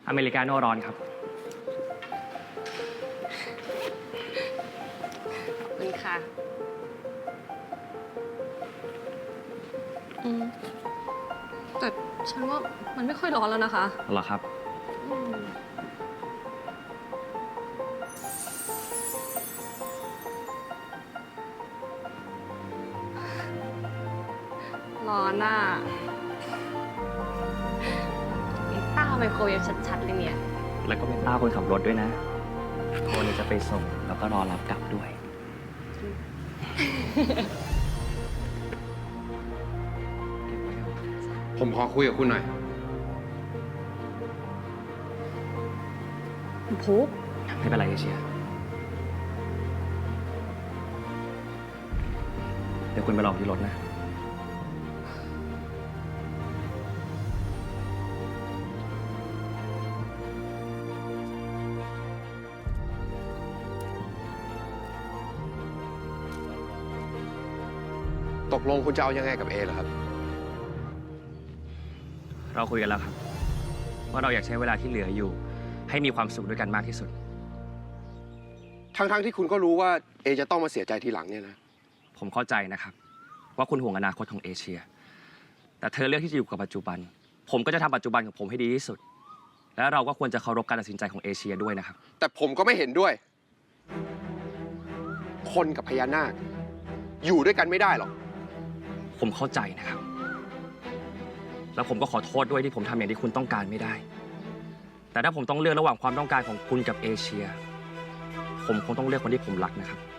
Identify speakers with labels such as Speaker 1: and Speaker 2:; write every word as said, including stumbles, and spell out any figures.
Speaker 1: อเมริกาโน่ร้อนครับ
Speaker 2: ขอบคุณค่ะอืมแต่ฉันว่ามันไม่ค่อยร้อนแล้วนะคะ
Speaker 1: เหรอครับ
Speaker 2: อืมร้อนอ่ะไอ้ต้าไมโครเวฟชัดๆเลยเนี่ย
Speaker 1: แล้วก็เป็นต้าคนขับรถด้วยนะคนจะไปส่งแล้วก็รอรับกลับด้วย
Speaker 3: ผมขอคุยกับคุณหน่อย
Speaker 2: พุก
Speaker 1: ไม่เป็นไรเอเชียเดี๋ยวคุณไปรอที่รถนะ
Speaker 3: ตกลงคุณจะเอายังไงกับเอเหรอครับ
Speaker 1: เราคุยกันแล้วครับว่าเราอยากใช้เวลาที่เหลืออยู่ ให้มีความสุขด้วยกันมากที่สุด
Speaker 3: ทั้งๆที่คุณก็รู้ว่าเอจะต้องมาเสียใจทีหลังเนี่ยนะ
Speaker 1: ผมเข้าใจนะครับ ว่าคุณห่วงอนาคตของเอเชีย แต่เธอเลือกที่จะอยู่กับปัจจุบัน ผมก็จะทำปัจจุบันของผมให้ดีที่สุด และเราก็ควรจะเคารพการตัดสินใจของเอเชียด้วยนะครับ
Speaker 3: แต่ผมก็ไม่เห็นด้วย คนกับพญานาคอยู่ด้วยกันไม่ได้หรอก
Speaker 1: ผมเข้าใจนะครับ แล้วผมก็ขอโทษด้วยที่ผมทำอย่างที่คุณต้องการไม่ได้ แต่ถ้าผมต้องเลือกระหว่างความต้องการของคุณกับเอเชีย ผมคงต้องเลือกคนที่ผมรักนะครับ